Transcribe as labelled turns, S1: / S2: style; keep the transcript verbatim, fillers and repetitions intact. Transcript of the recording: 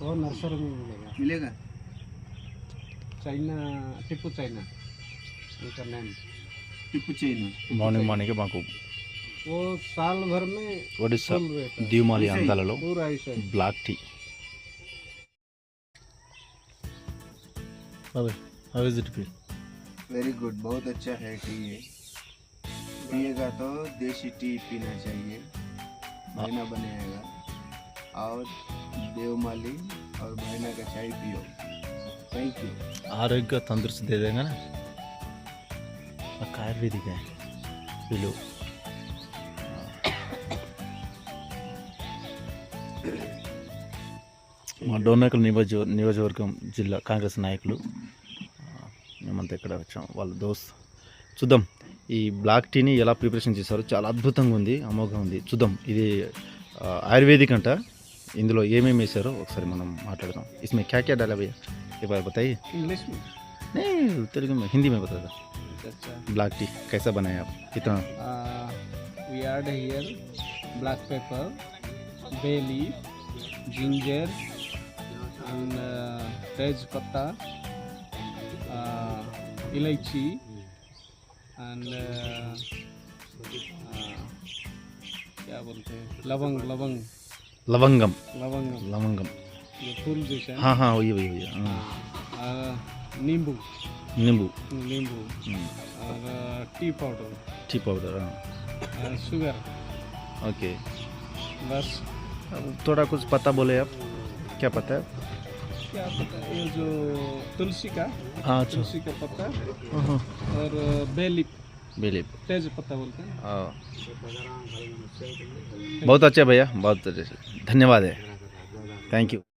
S1: वो नर्सरी में मिलेगा।
S2: मिलेगा।
S1: चाइना टिप्पू चाइना उनका नाम
S2: टिप्पू चाइना
S3: మార్నింగ్ మార్నింగ్ మాకు
S1: वो साल भर में
S3: ఒడిస్సా
S1: फूल रहता है।
S3: దీవమాలి
S2: ऐसे ही?
S3: అందాలలో
S1: पूरा ऐसा ही।
S3: బ్లాక్ టీ బాబాయ్ how is it feel
S2: very good, बहुत अच्छा है टी ये। पिएगा तो देसी टी पीना चाहिए, भाईना बनाएगा। और देवमाली और भाईना का चाय पियो। Thank you.
S3: आरोग्य तंदुरुस्त दे देगा ना आयुर्वेदिक है వీళ్ళు మా డోర్నకల్ నియోజక నియోజకవర్గం జిల్లా కాంగ్రెస్ నాయకులు మేమంతా ఇక్కడ వచ్చాం వాళ్ళ దోస్త్. చూద్దాం ఈ బ్లాక్ టీని ఎలా ప్రిపరేషన్ చేశారో, చాలా అద్భుతంగా ఉంది, అమోఘంగా ఉంది. చూద్దాం ఇది ఆయుర్వేదిక్ అంట, ఇందులో ఏమేమి వేసారో ఒకసారి మనం మాట్లాడదాం. इसमें क्या क्या डाला भैया एक बार बताइए।
S1: इंग्लिश में
S3: नहीं तेलुगु में, हिंदी में बता दो।
S1: अच्छा
S3: ब्लैक टी कैसा बनाया आप, कितना?
S1: We add here black pepper, bay leaf, ginger and tej patta, elaichi and क्या बोलते हैं, लवंग लवंग
S3: लवंगम
S1: लवंग
S3: लवंगम
S1: ये फूल जैसा है।
S3: हाँ हाँ वही वही वही हाँ।
S1: आ, नींबू
S3: नींबू,
S1: नींबू
S3: हम्म,
S1: और टी पाउडर,
S3: टी पाउडर, हाँ
S1: और शुगर,
S3: ओके।
S1: बस।
S3: अब थोड़ा कुछ पता बोले आप, क्या पता है?
S1: क्या पता, ये जो तुलसी का
S3: हाँ अच्छा,
S1: तुलसी का पत्ता
S3: हाँ
S1: और बेली
S3: बिलीव,
S1: तेज पत्ता बोलते हैं।
S3: हाँ बहुत अच्छा भैया, बहुत धन्यवाद है, थैंक यू।